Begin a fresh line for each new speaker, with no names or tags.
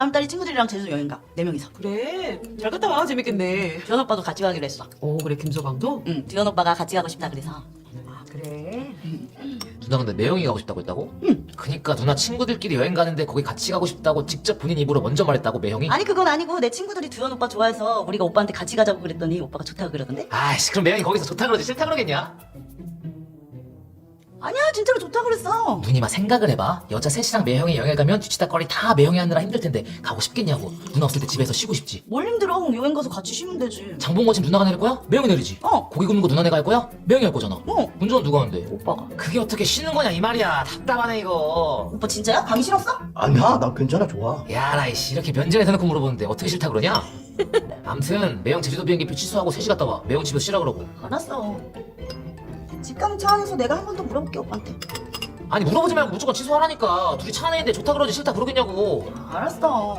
다음 달에 친구들이랑 제주도 여행 가. 4명이서.
그래, 잘 갔다 와. 재밌겠네.
듀원 오빠도 같이 가기로 했어.
오, 그래, 김서방도?
응, 듀원 오빠가 같이 가고 싶다 그래서.
아, 그래.
누나 근데 매형이 가고 싶다고 했다고?
응.
그니까 누나 친구들끼리 여행 가는데 거기 같이 가고 싶다고 직접 본인 입으로 먼저 말했다고 매형이?
아니 그건 아니고 내 친구들이 듀원 오빠 좋아해서 우리가 오빠한테 같이 가자고 그랬더니 오빠가 좋다고 그러던데?
아이씨 그럼 매형이 거기서 좋다 그러지 싫다 그러겠냐?
아니야 진짜로 좋다고 그랬어.
누님아 생각을 해봐. 여자 셋이랑 매형이 여행 가면 뒤치다거리 다 매형이 하느라 힘들 텐데 가고 싶겠냐고. 누나 없을 때 집에서 쉬고 싶지.
뭘 힘들어. 여행 가서 같이 쉬면 되지.
장본거 집 누나가 내릴 거야? 매형이 내리지.
어.
고기 굽는 거 누나 내가 할 거야? 매형이 할 거잖아.
어.
운전은 누가 하는데?
오빠가.
그게 어떻게 쉬는 거냐 이 말이야. 답답하네 이거.
오빠 진짜야? 가기 싫었어?
아니야, 나 괜찮아, 좋아.
야라 이씨 이렇게 면전에 대놓고 물어보는데 어떻게 싫다 그러냐? 암튼 매형 제주도 비행기표 취소하고 셋이 갔다 와. 매형 집에서 쉬라 그러고.
알았어. 집 가는 차 안에서 내가 한 번 더 물어볼게 오빠한테.
아니 물어보지 말고 무조건 취소하라니까. 둘이 차 안에 있는데 좋다 그러지 싫다 그러겠냐고.
알았어.